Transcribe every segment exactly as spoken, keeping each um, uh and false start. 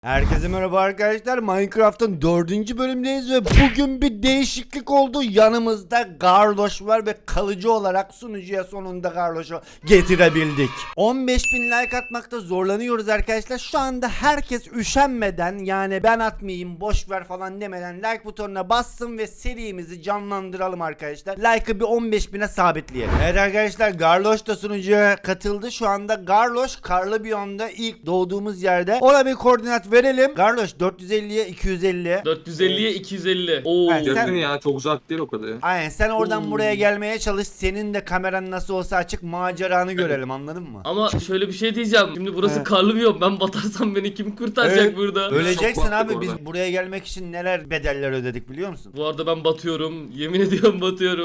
Herkese merhaba arkadaşlar. Minecraft'ın dördüncü bölümdeyiz ve bugün bir değişiklik oldu. Yanımızda Garloş var ve kalıcı olarak sunucuya sonunda Garloş'u getirebildik. on beş bin like atmakta zorlanıyoruz arkadaşlar. Şu anda herkes üşenmeden, yani ben atmayayım boş ver falan demeden like butonuna bassın ve serimizi canlandıralım arkadaşlar. Like'ı bir on beş bine sabitleyelim. Evet arkadaşlar, Garloş da sunucuya katıldı. Şu anda Garloş karlı biyomda ilk doğduğumuz yerde. Ona bir koordinat verelim. Garloş dört yüz elliye iki yüz elli. dört yüz elliye iki yüz elli. Oo. Evet, sen- Yakın ya, çok uzak değil o kadar ya. Aynen, sen oradan Oo. buraya gelmeye çalış. Senin de kameran nasıl olsa açık, maceranı görelim, anladın mı? Ama şöyle bir şey diyeceğim. Şimdi burası Evet. karlı bir yol. Ben batarsam beni kim kurtaracak Evet. burada? Öleceksin Çok abi. baktık Biz orada. buraya gelmek için neler bedeller ödedik biliyor musun? Bu arada ben batıyorum. Yemin ediyorum batıyorum.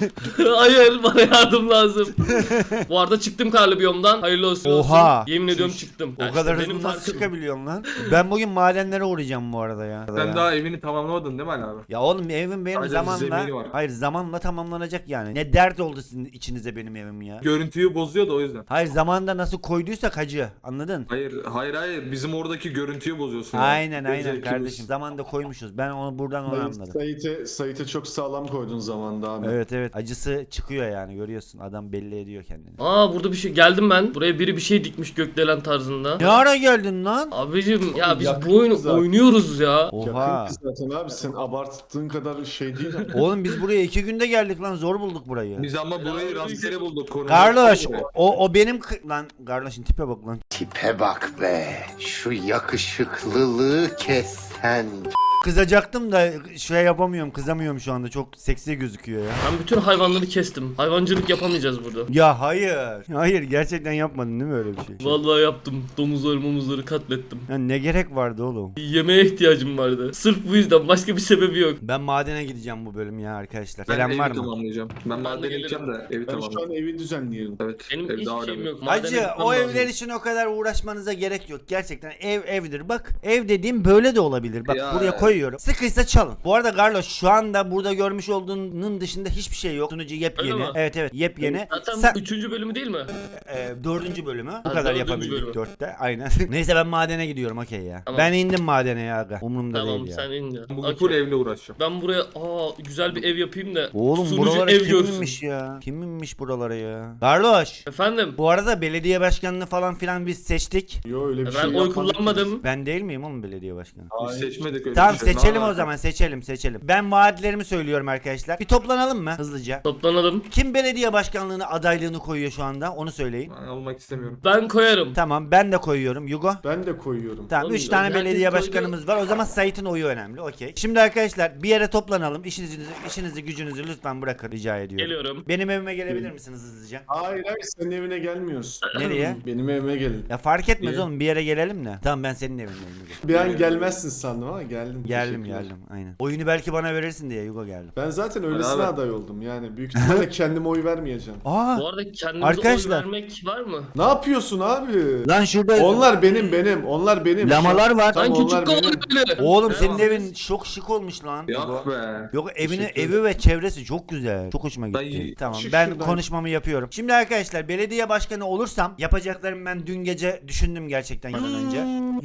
Hayır, bana yardım lazım. Bu arada çıktım karlı biyomdan. Hayırlı olsun. Oha. olsun. Yemin ediyorum Şiş. çıktım. O Ya kadar işte hızlı benim nasıl farkım. çıkabiliyorsun lan? Ben bugün madenlere uğrayacağım bu arada ya. Sen ya. daha evini tamamlamadın değil mi Ali abi? Ya oğlum, evim benim Sadece zamanla, zemini var. hayır zamanla tamamlanacak yani. Ne dert oldu sizin içinize benim evim ya. Görüntüyü bozuyor da o yüzden. Hayır, zamanında nasıl koyduysak hacı, anladın? Hayır hayır hayır, bizim oradaki görüntüyü bozuyorsun. ya. Aynen aynen Zevkimiz. kardeşim. Zamanında koymuşuz. Ben onu buradan onu Sayit, anladım. Sait'e Sait'e çok sağlam koydun zamanda abi. Evet evet, acısı çıkıyor yani, görüyorsun. Adam belli ediyor kendini. Aa, burada bir şey geldim ben. Buraya biri bir şey dikmiş gökdelen tarzında. Ne ara geldin lan? Abicim ya biz Yakın bu oyunu zaten. oynuyoruz ya. Oha. Yakın zaten abi, sen abarttığın kadar şey değil. Oğlum biz buraya iki günde geldik lan, zor bulduk burayı. Biz ama burayı rastgele bulduk. koordinat- Garloş o o benim kı- lan Garloş'un tipe bak lan. Tipe bak be. Şu yakışıklılığı kes sen. Kızacaktım da şey yapamıyorum, kızamıyorum şu anda, çok seksi gözüküyor ya. Ben bütün hayvanları kestim. Hayvancılık yapamayacağız burada. Ya hayır. Hayır, gerçekten yapmadın değil mi öyle bir şey? Vallahi yaptım. Domuzları mumuzları katlettim. Ya ne gerek vardı oğlum? Yemeğe ihtiyacım vardı. Sırf bu yüzden, başka bir sebebi yok. Ben madene gideceğim bu bölüm ya arkadaşlar. Ben Gelen evi var mı? tamamlayacağım. Ben madene gelirim. gideceğim de evi Ben şu tamamlayacağım. an evi düzenliyorum. Evet. Benim ev hiç daha şeyim önemli. yok. Madene Hacı, gitmem o lazım. evler için o kadar uğraşmanıza gerek yok. Gerçekten ev evdir. Bak, ev dediğim böyle de olabilir. Bak Ya. buraya koyuyorum. Sıkıysa çalın. Bu arada Garloş, şu anda burada görmüş olduğunun dışında hiçbir şey yok. Sunucu Öyle yepyeni. mi? Evet evet, yepyeni. Zaten Sen- bu üçüncü bölümü değil mi? e, dördüncü bölümü. Bu Ha, kadar dördüncü yapabildik bölümü. dörtte. Aynen. Neyse, ben madene gidiyorum, okey ya. Tamam. Ben indim madene ya aga. Umurumda Tamam değil ya. sen in ya. Bugün Okey. full evle uğraşacağım. Ben buraya aa güzel bir ev yapayım da Oğlum sunucu buralara ev kim görsün. inmiş ya? Kim inmiş buralara ya? Garloş. Efendim? Bu arada belediye başkanını falan filan biz seçtik. Yo, öyle bir Ben şey oy yapmadık kullanmadım. Ben değil miyim oğlum belediye başkanı? Biz Hayır. seçmedik öyle Tamam bir şey. seçelim Aa, o zaman, seçelim seçelim. Ben vaatlerimi söylüyorum arkadaşlar. Bir toplanalım mı hızlıca? Toplanalım. Kim belediye başkanlığını adaylığını koyuyor şu anda, onu söyleyin. Ben olmak istemiyorum. Ben koyarım. Tamam, ben de koyuyorum. Yugo. Ben de koyuyorum. Tamam, Oğlum, üç tane herkes belediye koydu. başkanımız var. O zaman Sait'in oyu önemli. Okey. Şimdi arkadaşlar bir yere toplanalım. İşinizi, işinizi gücünüzü lütfen bırakın, rica ediyorum. Geliyorum. Benim evime gelebilir misiniz hızlıca? Hayır hayır, senin evine gelmiyoruz. Nereye? Benim evime gelin. Ya fark etmez Niye? oğlum, bir yere gelelim de. Tamam, ben senin evine geldim. Bir an gelmezsin sandım ama geldin. Geldim Teşekkürler. geldim aynen. Oyunu belki bana verirsin diye Yugo geldim. Ben zaten öylesine Abi. aday oldum yani. Büyük ihtimalle kendime oy vermeyeceğim. Aa! Bu arada kendimize Arkadaşlar. oy vermek var mı? Ne yapıyorsun abi? Lan şurada Onlar benim benim. Onlar benim. lamalar var. Tamam, Lan küçük onlar kovalı benim. böyle. Oğlum Ne senin var? evin çok şık olmuş lan. Yugo. Yok be. Yok, evini Teşekkür evi ve çevresi çok güzel. Çok hoşuma gitti. Dayı, Tamam, şu ben şuradan- konuşmamı yapıyorum. Şimdi arkadaşlar, belediye başkanı olursam yapacaklarımı ben dün gece düşündüm gerçekten yıldan önce.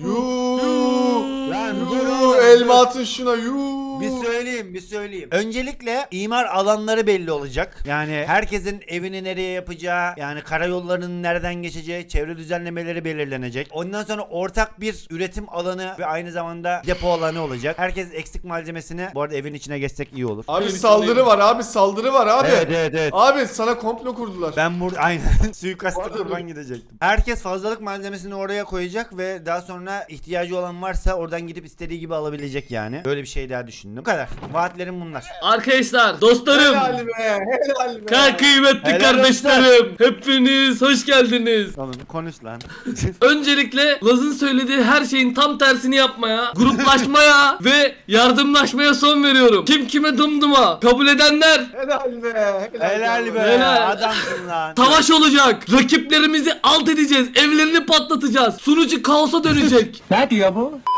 Yuu. Lan dur Yuu. oğlum, Elma dur. atın şuna. Yuu. Bir söyleyeyim, bir söyleyeyim. Öncelikle imar alanları belli olacak. Yani herkesin evini nereye yapacağı, yani karayollarının nereden geçeceği, çevre düzenlemeleri belirlenecek. Ondan sonra ortak bir üretim alanı ve aynı zamanda depo alanı olacak. Herkes eksik malzemesini, bu arada evin içine geçsek iyi olur. Abi Öyle saldırı var abi, saldırı var abi. Evet evet evet. Abi sana komplo kurdular. Ben burada aynen suikasta Pardon. kurban gidecektim. Herkes fazlalık malzemesini oraya koyacak ve daha sonra ihtiyacı olan varsa oradan gidip istediği gibi alabilecek yani. Böyle bir şey daha düşündüm. Bu kadar. Vaatlerim bunlar. Arkadaşlar, dostlarım, Helal be, helal be. ka kıymetli Helal kardeşlerim, hepiniz hoş geldiniz. Oğlum konuş lan. Öncelikle Laz'ın söylediği her şeyin tam tersini yapmaya, gruplaşmaya ve yardımlaşmaya son veriyorum. Kim kime dımdıma kabul edenler Helal be, Helal be. Helal. Adamsın lan. savaş olacak. Rakiplerimizi alt edeceğiz. Evlerini patlatacağız. Sunucu kaosa dönecek. Ne diyor bu?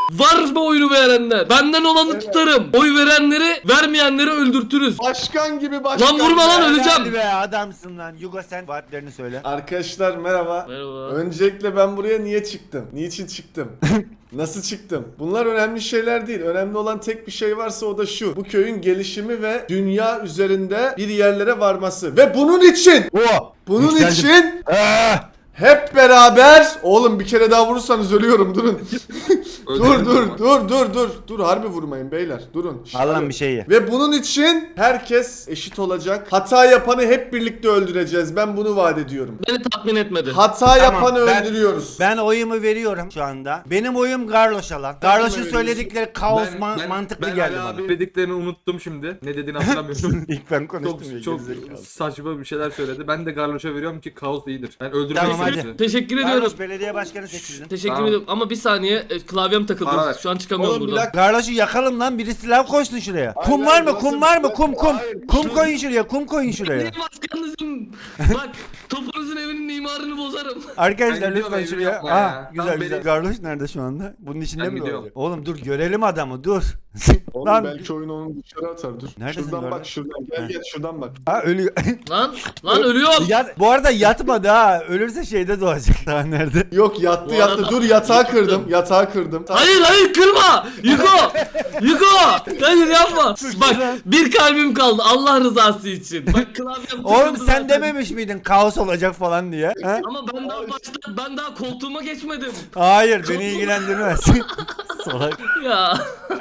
Var mı oyunu verenler? Benden olanı Evet. tutarım. Oy verenleri, vermeyenleri öldürtürüz. Başkan gibi başkan. Lan vurma lan, be. öleceğim. Hadi be adamsın lan. Yugo sen vaatlerini söyle. Arkadaşlar merhaba. Merhaba. Öncelikle ben buraya niye çıktım? Niçin çıktım? Nasıl çıktım? Bunlar önemli şeyler değil. Önemli olan tek bir şey varsa o da şu. Bu köyün gelişimi ve dünya üzerinde bir yerlere varması. Ve bunun için, O. bunun Yükseldim. için Ah! hep beraber... Oğlum bir kere daha vurursanız ölüyorum durun. dur dur dur dur dur. Dur harbi vurmayın beyler. Durun. Şş, Allah'ım alo. bir şey ye. Ve bunun için herkes eşit olacak. Hata yapanı hep birlikte öldüreceğiz. Ben bunu vaat ediyorum. Beni tatmin etmedi. Hata Tamam, yapanı ben- öldürüyoruz. Ben oyumu veriyorum şu anda. Benim oyum Garloş'a lan. Garloş'un veriyorsun? söyledikleri kaos Ben- man- ben- mantıklı ben geldi Ali bana. abi dediklerini unuttum şimdi. Ne dediğini hatırlamıyorum. İlk ben konuştum ya, çok çok gerizekalı. saçma bir şeyler söyledi. Ben de Garloş'a veriyorum ki kaos iyidir. Ben öldürmek Tamam, istiyorum hadi. sizi. Teşekkür ediyorum. Garloş belediye başkanı seçildin. Teşekkür Tamam. ediyorum ama bir saniye e, klavyem takıldı. Bana ver. Şu an çıkamıyorum Oğlum bir buradan. dakika. Garloş'u yakalım lan, biri silah koysun şuraya. Hayır, Kum var hayır, mı? burası- Kum var mı? Kum kum. Hayır, Kum şu- koyun şuraya. Kum koyun şuraya. Niye başkanınızım? Bak topunuzun evinin imarını bozarım. Arkadaşlar Ben gidiyorum, lütfen evimi şuraya. yapma Aa, ya. güzel Tam güzel. beni- Garloş nerede şu anda? Bunun içinde Ben mi gidiyorum. olacak? Oğlum dur görelim adamı dur. Oğlum Lan. belki oyun onu dışarı atar dur. Neredesin şuradan Garloş? bak şuradan gel Heh. gel şuradan bak. Ha ölüyor. Lan lan ölüyorum. Yat, bu arada yatmadı ha. Ölürse şeyde doğacak. Daha nerede? Yok yattı Bu yattı arada- dur yatağı Yıktım. kırdım yatağı kırdım. Hayır hayır kırma. Yuko. Yuko. Hayır yapma. Bak bir kalbim kaldı Allah rızası için. Bak klavyem Oğlum takıldı sen zaten. dememiş miydin kaos olacak falan diye? Ha? Ama ben daha başta ben daha koltuğuma geçmedim. Hayır beni ilgilendirmez. Salak. Ya.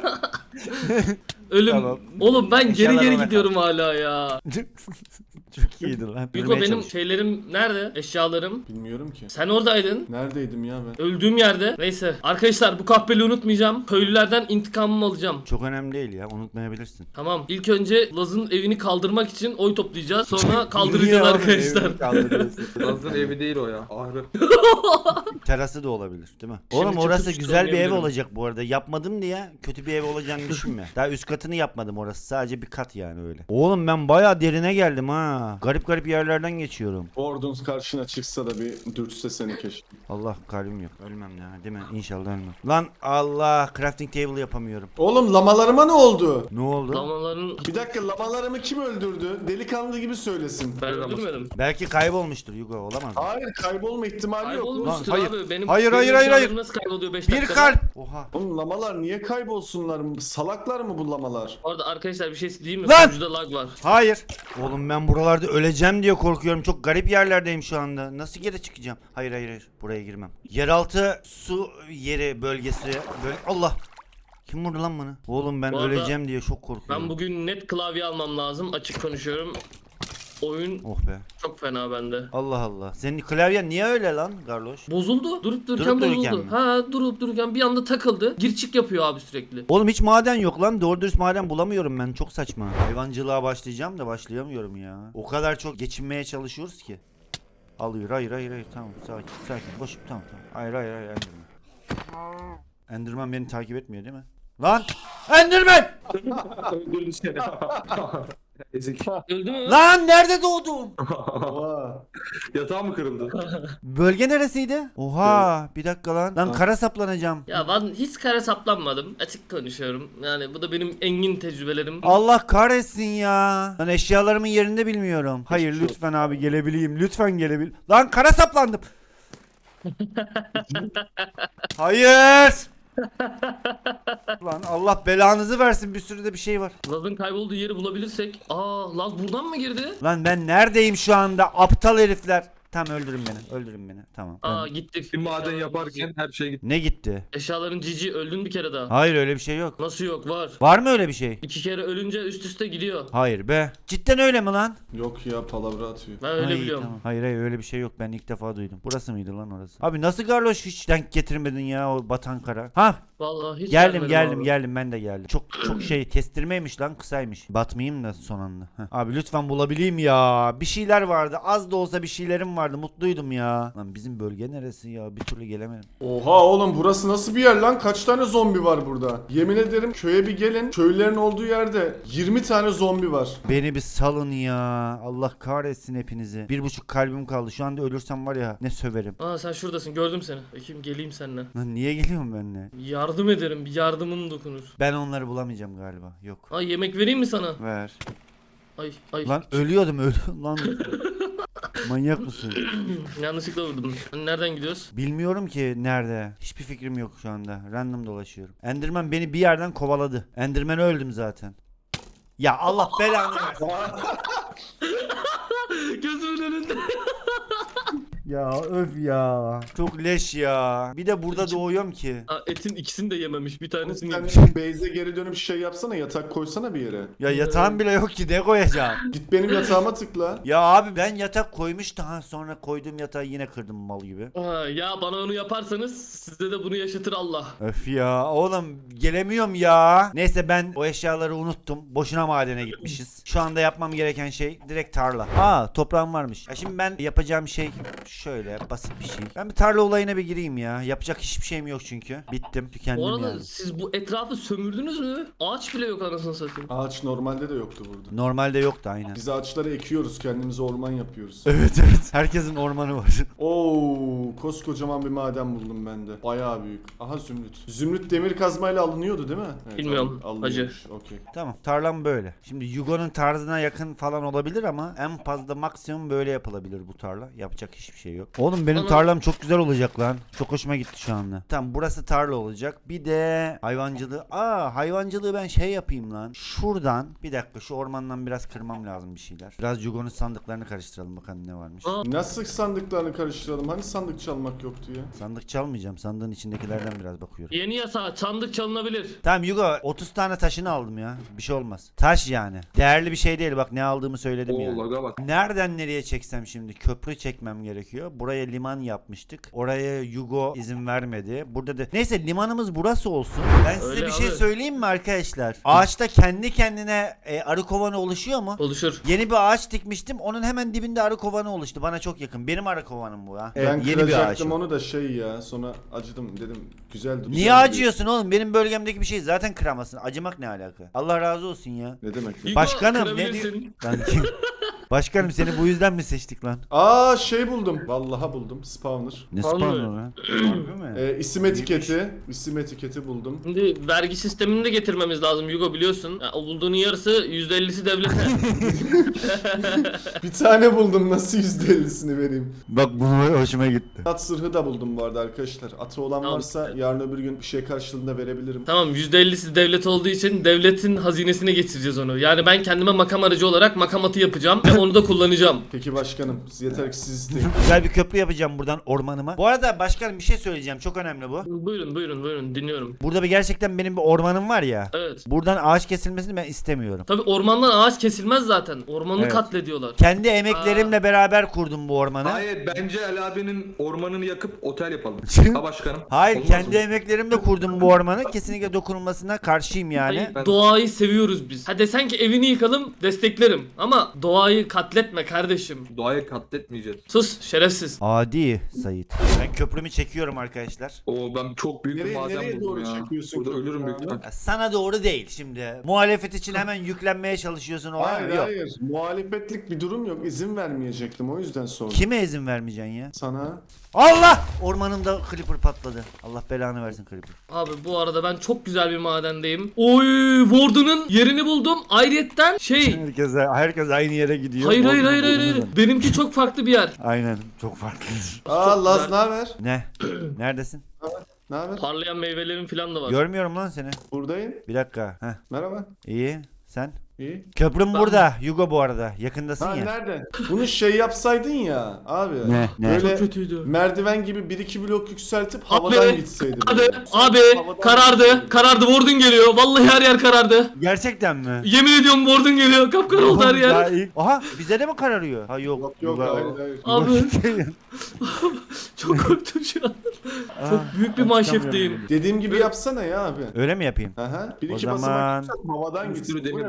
Ölüm. Tamam. Oğlum ben geri İnşallah geri ona gidiyorum hala ya. Çok iyiydi lan. Yuko Yürümeye benim çalış. şeylerim nerede? Eşyalarım. Bilmiyorum ki. Sen oradaydın. Neredeydim ya ben? Öldüğüm yerde. Neyse. Arkadaşlar bu kahpeli unutmayacağım. Köylülerden intikamımı alacağım. Çok önemli değil ya, unutmayabilirsin. Tamam. İlk önce Laz'ın evini kaldırmak için oy toplayacağız. Sonra Niye kaldıracağız oğlum arkadaşlar. evini kaldırıyorsun? Laz'ın evi değil o ya. Ahırı. Terası da olabilir değil mi? Şimdi Oğlum orası çıkıp güzel bir ev oynayabilirim. olacak bu arada. Yapmadım diye kötü bir ev olacağını düşünme. Daha üst katını yapmadım orası. Sadece bir kat yani öyle. Oğlum ben bayağı derine geldim ha. Garip garip yerlerden geçiyorum. Ordunuz karşına çıksa da bir dürtse seni keşke. Allah kalbim yok. Ölmem ya değil mi? İnşallah ölmem. Lan Allah, crafting table yapamıyorum. Oğlum lamalarıma ne oldu? Ne oldu? Lamaların Bir dakika lamalarımı kim öldürdü? Delikanlı gibi söylesin. ben öldürmedim. Belki kaybolmuştur Yugo, olamaz mı? Hayır kaybolma ihtimali yok. Kaybolmuştur Lan, hayır. abi. Benim, Hayır, benim hayır, hayır, hayır. eşyalarım nasıl kayboluyor beş Bir dakikada? kalp. Oha. Oğlum lamalar niye kaybolsunlar? Salaklar mı bu lamalar? Bu arada arkadaşlar bir şey diyeyim mi? Lan! Sunucuda lag var. Hayır. Oğlum ben buralarda öleceğim diye korkuyorum. Çok garip yerlerdeyim şu anda. Nasıl geri çıkacağım? Hayır hayır hayır. Buraya girmem. Yeraltı su yeri bölgesi. Böyle... Allah. Kim vurdu lan bana? Oğlum ben Bu arada öleceğim diye çok korkuyorum. Ben bugün net klavye almam lazım. Açık konuşuyorum. Oyun Oh be. çok fena bende. Allah Allah. Senin klavyen niye öyle lan Garloş? Bozuldu. Durup dururken Durup bozuldu. dururken mi? Ha durup dururken bir anda takıldı. Gir çık yapıyor abi sürekli. Oğlum hiç maden yok lan. Doğru dürüst maden bulamıyorum ben. Çok saçma. Hayvancılığa başlayacağım da başlayamıyorum ya. O kadar çok geçinmeye çalışıyoruz ki. Alıyor. Hayır hayır hayır. Tamam sakin sakin. Boşum tamam tamam. Hayır hayır hayır. Enderman. Enderman beni takip etmiyor değil mi? Lan! Enderman! Öldürdü seni. Ezik. Öldü mü? Lan nerede doğdum? Oha. Yatağı mı kırıldı? Bölge neresiydi? Oha bir dakika lan. Lan kara saplanacağım. Ya ben hiç kare saplanmadım. Açık konuşuyorum. Yani bu da benim engin tecrübelerim. Allah kahretsin ya. Lan eşyalarımın yerinde bilmiyorum. Hayır lütfen abi gelebileyim. Lütfen gelebil. Lan kara saplandım. Hayır. Lan Allah belanızı versin, bir sürü de bir şey var. Laz'ın kaybolduğu yeri bulabilirsek. Aa Laz buradan mı girdi? Lan ben neredeyim şu anda, aptal herifler. Tamam öldürün beni, öldürün beni. Tamam. Aa Ben- gittik. Bir maden Eşyaların yaparken cici. her şey gitti. Ne gitti? Eşyaların cici öldün bir kere daha. Hayır öyle bir şey yok. Nasıl yok var. Var mı öyle bir şey? İki kere ölünce üst üste gidiyor. Hayır be. Cidden öyle mi lan? Yok ya palavra atıyor. Ben öyle Ay, biliyorum. tamam. Hayır hayır öyle bir şey yok, ben ilk defa duydum. Burası mıydı lan orası? Abi nasıl Garloş hiç denk getirmedin ya o batan kara? Ha Vallahi hiç geldim gelmedim geldim abi. geldim ben de geldim. Çok çok şey kestirmeymiş lan, kısaymış. Batmayayım da son anda. Heh. Abi lütfen bulabileyim ya. Bir şeyler vardı, az da olsa bir şeylerim vardı, mutluydum ya. Lan bizim bölge neresi ya, bir türlü gelemedim. Oha oğlum burası nasıl bir yer lan? Kaç tane zombi var burada? Yemin ederim köye bir gelin. Köylülerin olduğu yerde yirmi tane zombi var. Beni bir salın ya. Allah kahretsin hepinizi. Bir buçuk kalbim kaldı. Şu anda ölürsem var ya ne söverim. Aa sen şuradasın gördüm seni. Bakayım geleyim seninle. Lan niye geliyorum benimle? Yardım yardım ederim. Bir yardımım dokunur. Ben onları bulamayacağım galiba. Yok. Ay yemek vereyim mi sana? Ver. Ay ay. Lan ölüyordum ölüyordum lan. Manyak mısın? Yanlışlıkla vurdum. Hani nereden gidiyoruz? Bilmiyorum ki nerede. Hiçbir fikrim yok şu anda. Random dolaşıyorum. Enderman beni bir yerden kovaladı. Enderman'e öldüm zaten. Ya Allah belanı versin. Gözümün önünde. Ya öf ya. Çok leş ya. Bir de burada doğuyorum ki. Aa, etin ikisini de yememiş. Bir tanesini Sen yemiş. base'e geri dönüp şey yapsana, yatak koysana bir yere. Ya yatağım bile yok ki, ne koyacağım? Git benim yatağıma tıkla. Ya abi ben yatak koymuştum, ha sonra koyduğum yatağı yine kırdım mal gibi. Aa, ya bana onu yaparsanız sizde de bunu yaşatır Allah. Öf ya oğlum, gelemiyorum ya. Neyse ben o eşyaları unuttum. Boşuna madene gitmişiz. Şu anda yapmam gereken şey direkt tarla. Aa toprağım varmış. Ya şimdi ben yapacağım şey şöyle basit bir şey. Ben bir tarla olayına bir gireyim ya. Yapacak hiçbir şeyim yok çünkü. Bittim, tükendim Bu arada yani. siz bu etrafı sömürdünüz mü? Ağaç bile yok anasını satayım. Ağaç normalde de yoktu burada. Normalde yoktu aynen. Biz ağaçları ekiyoruz, kendimize orman yapıyoruz. Evet evet. Herkesin ormanı var. Oo, koskocaman bir maden buldum ben de. Bayağı büyük. Aha zümrüt. Zümrüt demir kazmayla alınıyordu değil mi? Evet, Bilmiyorum, alın- alınıyormuş. Okey. Tamam, tarlam böyle. Şimdi Yugo'nun tarzına yakın falan olabilir ama en fazla maksimum böyle yapılabilir bu tarla. Yapacak hiçbir şey yok. Oğlum benim Ama- tarlam çok güzel olacak lan. Çok hoşuma gitti şu anda. Tamam, burası tarla olacak. Bir de hayvancılığı. Aa hayvancılığı ben şey yapayım lan. Şuradan bir dakika, şu ormandan biraz kırmam lazım bir şeyler. Biraz Yugo'nun sandıklarını karıştıralım bakalım ne varmış. Aa, Nasıl sandıklarını karıştıralım? Hani sandık çalmak yoktu ya? Sandık çalmayacağım. Sandığın içindekilerden biraz bakıyorum. yeni yasa sandık çalınabilir. Tamam Yugo, otuz tane taşını aldım ya. Bir şey olmaz. Taş yani. Değerli bir şey değil, bak ne aldığımı söyledim Oo yani. laga bak. Nereden nereye çeksem şimdi? Köprü çekmem gerekiyor. Buraya liman yapmıştık. Oraya Yugo izin vermedi. Burada da neyse limanımız burası olsun. Ben size Öyle bir şey abi. söyleyeyim mi arkadaşlar? Ağaçta kendi kendine e, arı kovanı oluşuyor mu? Oluşur. Yeni bir ağaç dikmiştim. Onun hemen dibinde arı kovanı oluştu. Bana çok yakın. Benim arı kovanım bu ha. ben Evet, yeni bir ağaç. kıracaktım onu da şey ya. Sonra acıdım dedim. Güzel güzel Niye duruyor. acıyorsun oğlum? Benim bölgemdeki bir şey zaten kıramasın. Acımak ne alaka? Allah razı olsun ya. Ne demek? Yugo, Başkanım ne kırabilirsin. diyor? Lan kim? Başkanım seni bu yüzden mi seçtik lan? Aa şey buldum. Vallahi buldum. Spawner. Ne Vallahi. spawner lan? Harbi mi? Ee, isim etiketi. İsim etiketi buldum. Şimdi vergi sistemini de getirmemiz lazım Yugo biliyorsun. Ya, o bulduğunun yarısı yüzde ellisi devlete. Bir tane buldum. Nasıl yüzde ellisini vereyim? Bak bu hoşuma gitti. At zırhı da buldum bu arada arkadaşlar. Atı olan Tamam. varsa yarın öbür gün bir şey karşılığında verebilirim. Tamam yüzde ellisi devlet olduğu için devletin hazinesine getireceğiz onu. Yani ben kendime makam aracı olarak makam atı yapacağım ve onu da kullanacağım. Peki başkanım. Yeter ki siz isteyin. Güzel bir köprü yapacağım buradan ormanıma. Bu arada başkanım bir şey söyleyeceğim. Çok önemli bu. Buyurun buyurun buyurun dinliyorum. Burada bir gerçekten benim bir ormanım var ya. Evet. Buradan ağaç kesilmesini ben istemiyorum. Tabi ormandan ağaç kesilmez zaten. Ormanını Evet. katlediyorlar. Kendi emeklerimle beraber kurdum bu ormanı. Hayır bence Ali abinin ormanını yakıp otel yapalım. Ha başkanım. Hayır, Olmaz kendi mı? emeklerimle kurdum bu ormanı. Kesinlikle dokunulmasına karşıyım yani. Hayır, Ben- doğayı seviyoruz biz. Ha desen ki evini yıkalım desteklerim. Ama doğayı katletme kardeşim. Doğayı katletmeyeceğiz. Sus şerefsiz. Adi Sait. Ben köprümü çekiyorum arkadaşlar. Oo ben çok büyük bir Nereye- maden nereye buldum doğru ya. çekiyorsun Burada köprüyü ölürüm büyük abi? ihtimal. Ya sana doğru değil şimdi. Muhalefet için hemen yüklenmeye çalışıyorsun o an. Hayır Yok. hayır. Muhalefetlik bir durum yok. İzin vermeyecektim. O yüzden sordum. Kime izin vermeyeceksin ya? Sana. Allah! Ormanımda creeper patladı. Allah belanı versin creeper. Abi bu arada ben çok güzel bir madendeyim. Oy Warden'ın yerini buldum. Ayrıyetten şey. Herkes, herkes aynı yere gidiyor. Hayır hayır Orman hayır hayır. bulunur. hayır. Benimki çok farklı bir yer. Aynen, çok farklı. Aa Laz güzel. ne haber? Ne? Neredesin? Ne haber? Parlayan meyvelerin falan da var. Görmüyorum lan seni. Buradayım. Bir dakika. Heh. Merhaba. İyi. Sen? İyi. Köprüm Ben- burada. Yugo bu arada. Yakındasın Ha ya. nerede? Bunu şey yapsaydın ya abi. Ne, ne? Böyle Çok kötüydü. merdiven gibi bir iki blok yükseltip havadan Abi, gitseydin. Abi, böyle. abi Havadan karardı. gitseydin. Karardı. Warden geliyor. Vallahi her yer karardı. Gerçekten mi? Yemin ediyorum Warden geliyor. Kapkara oldu her Daha yer. iyi. Aha, bize de mi kararıyor? Ha yok. Yok yok Yugo- hayır hayır. Abi çok korktum şu an. Çok büyük bir manşefteyim. Dediğim gibi yapsana ya abi. Öyle mi yapayım? Aha. Bir O iki zaman- basamak yükselt havadan Bir gitsin. sürü Bu demir ne buldum. böyle?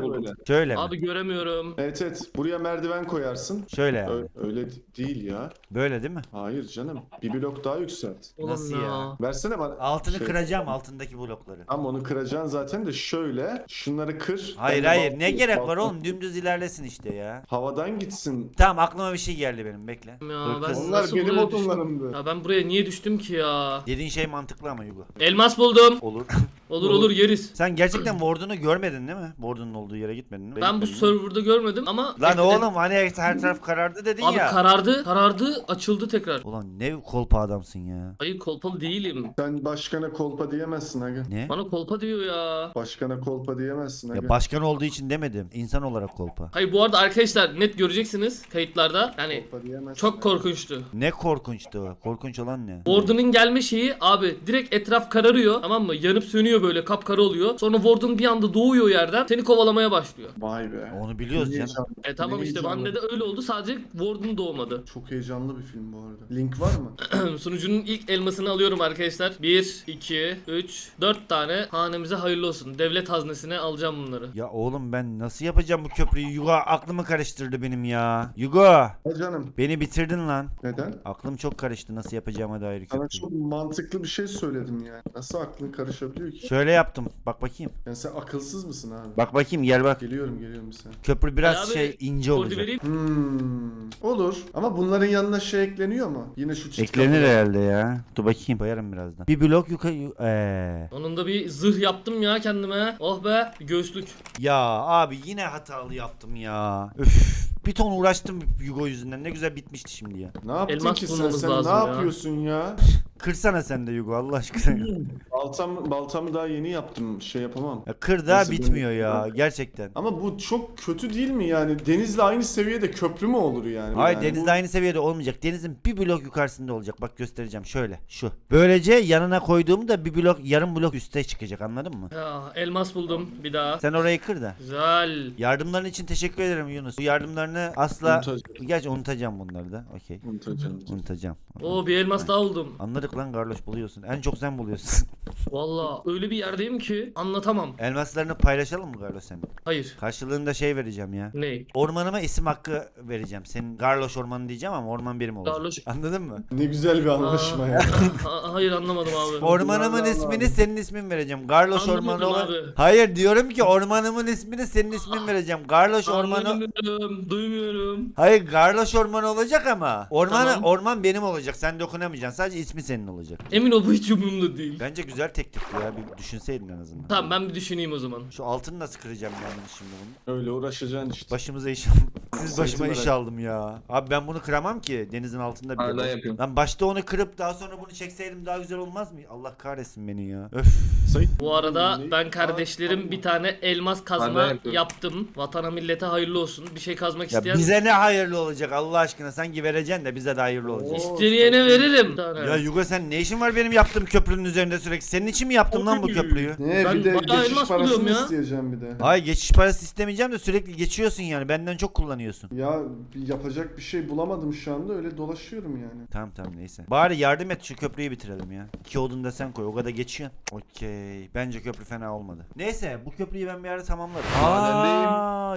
Şöyle mi? Abi göremiyorum. Evet evet. Buraya merdiven koyarsın. Şöyle yani. Ö- öyle d- değil ya. Böyle değil mi? Hayır canım. Bir blok daha yükselt. Oğlum Nasıl ya? Versene bana. Altını Şey- kıracağım, altındaki blokları. Ama onu kıracaksın zaten de şöyle. Şunları kır. Hayır Ben de hayır, bal- ne gerek var balkon- oğlum, dümdüz ilerlesin işte ya. Havadan gitsin. Tamam, aklıma bir şey geldi benim, bekle. Ya Dur ben kız. Onlar nasıl benim buraya düştüm? odunlarımdı. Ya ben buraya niye düştüm ki ya? Dediğin şey mantıklı ama Yugo. Elmas buldum. Olur. Olur olur yeriz. Sen gerçekten Warden'u görmedin değil mi? Warden'ın olduğu yere gitmedin değil mi? Ben bu serverda görmedim ama... Lan Et- oğlum hani her taraf karardı dedin Abi ya. karardı, karardı, açıldı tekrar. Ulan ne kolpa adamsın ya. Hayır kolpalı değilim. Sen başkana kolpa diyemezsin aga. Ne? Bana kolpa diyor ya. Başkana kolpa diyemezsin aga. Ya başkan olduğu için demedim. İnsan olarak kolpa. Hayır bu arada arkadaşlar net göreceksiniz kayıtlarda. Yani Kolpa diyemezsin çok aga. korkunçtu. Ne korkunçtu o. Korkunç olan ne? Warden'ın gelme şeyi abi direkt etraf kararıyor tamam mı? Yanıp sönüyor böyle kapkara oluyor. Sonra Warden bir anda doğuyor yerden seni kovalamaya başlıyor. Vay be. Onu biliyoruz Ne canım. heyecanlı. E tamam Ne işte heyecanlı. bende de öyle oldu sadece Warden doğmadı. Çok heyecanlı bir film bu arada. Link var mı? Sunucunun ilk elmasını alıyorum arkadaşlar. bir, iki, üç, dört tane hanemize hayırlı olsun. Devlet haznesine alacağım bunları. Ya oğlum ben nasıl yapacağım bu köprüyü? Yugo aklımı karıştırdı benim ya. Yugo Ha canım. beni bitirdin lan. Neden? Aklım çok karıştı nasıl yapacağıma dair Sana köprüyü. çok mantıklı bir şey söyledim yani. Nasıl aklın karışabiliyor ki? Şöyle yaptım. Bak bakayım. Yani sen akılsız mısın abi? Bak bakayım gel bak. Geliyorum geliyorum bir saniye. Köprü biraz Ali abi, şey ince Kodu olacak. vereyim. Hmm. Olur. Ama bunların yanına şey ekleniyor mu? Yine şu çift Eklenir kapılar. herhalde ya. Dur bakayım koyarım birazdan. Bir blok yukarı. Eee. Sonunda bir zırh yaptım ya kendime. Oh be bir göğüslük. Ya abi yine hatalı yaptım ya. Üf. Bir ton uğraştım Yugo yüzünden. Ne güzel bitmişti şimdi ya. Ne yaptın Elmas ki sen? bulmamız Sen ne lazım ya. yapıyorsun ya? Kırsana sen de Yugo Allah aşkına. Baltam, baltamı daha yeni yaptım. Şey yapamam. Ya kır da Nasıl bitmiyor böyle- ya gerçekten. Ama bu çok kötü değil mi yani? Denizle aynı seviyede köprü mü olur yani? Hayır yani denizde aynı seviyede olmayacak. Denizin bir blok yukarısında olacak. Bak göstereceğim şöyle şu. Böylece yanına koyduğumda bir blok yarım blok üste çıkacak anladın mı? Ya elmas buldum bir daha. Sen orayı kır da. Güzel. Yardımların için teşekkür ederim Yunus. Bu yardımlarını asla... Unutacağım. Gerçi unutacağım bunları da. Okey. Bu unutacağım. Unutacağım. Oo bir elmas daha buldum. Anladık lan Garloş buluyorsun. En çok sen buluyorsun. Valla öyle bir yerdeyim ki anlatamam. Elmaslarını paylaşalım mı Garloş senin? Hayır. Karşılığında şey vereceğim ya. Ne? Ormanıma isim hakkı vereceğim. Senin Garloş ormanı diyeceğim ama orman benim olacak. Garloş. Anladın mı? Ne güzel bir anlaşma ya. Ha- hayır anlamadım abi. Ormanımın Allah ismini Allah. senin ismin vereceğim. Garloş Anlamadım ormanı olan... abi. Hayır diyorum ki ormanımın ismini senin ismin vereceğim. Garloş ormanı... Anlamıyorum, duymuyorum. Hayır Garloş ormanı olacak ama ormanı Tamam. orman benim olacak. Sen dokunamayacaksın. Sadece ismi senin olacak. Emin ol bu hiç umurumda değil. Bence güzel teklifti ya. Bir düşünseydin en azından. Tamam ben bir düşüneyim o zaman. Şu altını nasıl kıracağım ben bunu şimdi bunu? Öyle uğraşacaksın işte. Başımıza iş aldım. Siz Sayısı başıma iş merak- aldım ya. Abi ben bunu kıramam ki. Denizin altında bir Hala de. yapıyorum. Lan başta onu kırıp daha sonra bunu çekseydim daha güzel olmaz mı? Allah kahretsin beni ya. Öf. Sayın- Bu arada Ne- ben kardeşlerim bir tane elmas Ben kazma de yapıyorum. yaptım. Vatana millete hayırlı olsun. Bir şey kazmak Ya isteyen bize ne hayırlı olacak Allah aşkına. Sanki vereceksin de bize de hayırlı olacak. isteyene veririm. Bir tane. Ya Yugo sen ne işin var benim yaptığım köprünün üzerinde sürekli? Senin için mi yaptım lan bu Oy. köprüyü? Ne Ben bir de bayağı geçiş elmas parasını buluyorum ya. isteyeceğim bir de. Ay geçiş parası istemeyeceğim de sürekli geçiyorsun yani. Benden çok kullanıyorsun. Ya bir yapacak bir şey bulamadım şu anda öyle dolaşıyorum yani. Tamam tamam neyse. Bari yardım et şu köprüyü bitirelim ya. İki odun da sen koy. O kadar geçiyorsun. Okey. Bence köprü fena olmadı. Neyse bu köprüyü ben bir ara tamamlarım. Madendeyim. Aa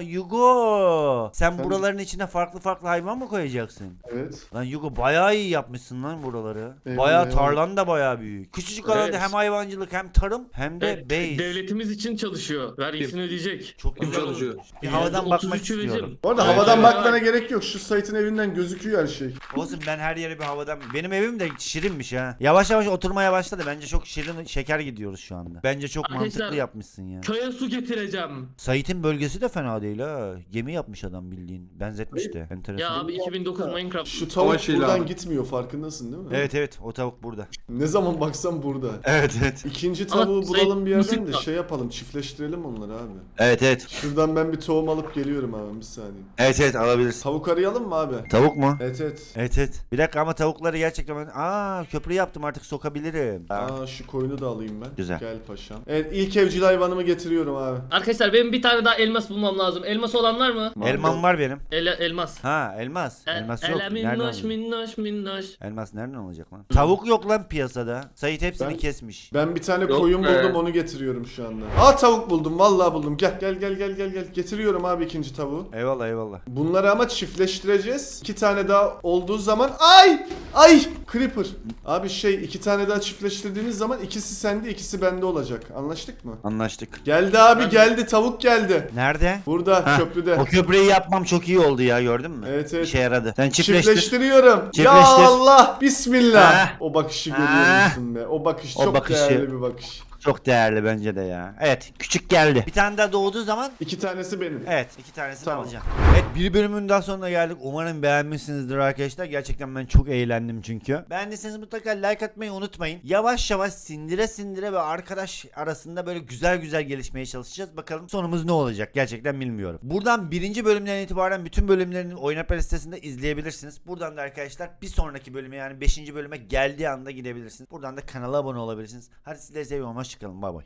Yugo. Sen Sen- buraların içine farklı farklı hayvan mı koyacaksın? Evet. Lan Yugo bayağı iyi yapmışsın lan buraları. Eyvallah, Bayağı eyvallah. tarlan da bayağı büyük. Küçücük alanda Evet. hem hayvancılık hem tarım hem de Evet, base. devletimiz için çalışıyor. Vergisini ödeyecek. Çok Kim güzel çalışıyor? olmuş. Bir havadan bakmak otuz üçü istiyorum. vereceğim. Bu arada Evet, havadan evet. bakmana gerek yok. Şu site'in evinden gözüküyor her şey. Olsun ben her yere bir havadan... Benim evim de şirinmiş ha. Yavaş yavaş oturmaya başladı. Bence çok şirin şeker gidiyoruz şu anda. Bence çok Arkadaşlar, mantıklı yapmışsın ya. Köye su getireceğim. Sait'in bölgesi de fena değil ha. Gemi yapmış adam bildiğin. Benzetmiş de. Enteresan. Ya abi iki bin dokuz Minecraft. Şu tavuk Ama şeyle buradan abi. gitmiyor farkındasın değil mi? Evet evet o tavuk burada. Ne zaman baksam burada. Evet evet. İkinci Ama tavuğu Sayın bulalım bir yerden de Mısır'da. şey yapalım çiftleştirelim onları abi. Evet evet. Şuradan ben bir tohum alıp geliyorum abi bir saniye. Evet evet alabilirsin. Tavuk arayalım mı abi? Tavuk mu? Evet evet. Evet evet. Bir dakika ama tavukları gerçekten ben... Aa köprü yaptım artık sokabilirim. Aa şu koyunu da alayım ben. Güzel. Gel paşam. Evet ilk evcil hayvanımı getiriyorum abi. Arkadaşlar benim bir tane daha elmas bulmam lazım. Elmas olan var mı? Elmam var benim. El elmas. Ha elmas. Elmas yok. Ele Nereden minnoş olacak? minnoş minnoş. Elmas nereden olacak lan? Tavuk yok lan piyasada. Sait hepsini Ben- kesmiş. değilmiş. Ben bir tane Yok koyun be. buldum, onu getiriyorum şu anda. Aa, tavuk buldum, vallahi buldum. Gel gel gel gel gel gel. Getiriyorum abi ikinci tavuğu. Eyvallah eyvallah. Bunları ama çiftleştireceğiz. İki tane daha olduğu zaman ay ay creeper. Abi şey, iki tane daha çiftleştirdiğimiz zaman ikisi sende ikisi bende olacak. Anlaştık mı? Anlaştık. Geldi abi, geldi, tavuk geldi. Nerede? Burada Heh, köprüde. O köprüyü yapmam çok iyi oldu ya, gördün mü? Evet, evet. İşe yaradı. Sen çiftleştir. Çiftleştiriyorum. Ya Çiftleştir. Allah, bismillah. Ha. O bakışı Ha. görüyor musun be? O bakış O çok bakışı. değerli bir bakış. Çok değerli bence de ya. Evet, küçük geldi. Bir tane daha doğduğu zaman İki tanesi benim. evet iki tanesini Tamam. alacağım. Evet, bir bölümün daha sonuna geldik. Umarım beğenmişsinizdir arkadaşlar. Gerçekten ben çok eğlendim çünkü. Beğendiyseniz mutlaka like atmayı unutmayın. Yavaş yavaş sindire sindire ve arkadaş arasında böyle güzel güzel gelişmeye çalışacağız. Bakalım sonumuz ne olacak gerçekten bilmiyorum. Buradan birinci bölümden itibaren bütün bölümlerini Oynapar listesinde izleyebilirsiniz. Buradan da arkadaşlar bir sonraki bölüme, yani beşinci bölüme geldiği anda gidebilirsiniz. Buradan da kanala abone olabilirsiniz. Hadi sizleri seviyorum. Hoşçakalın. Bay bay.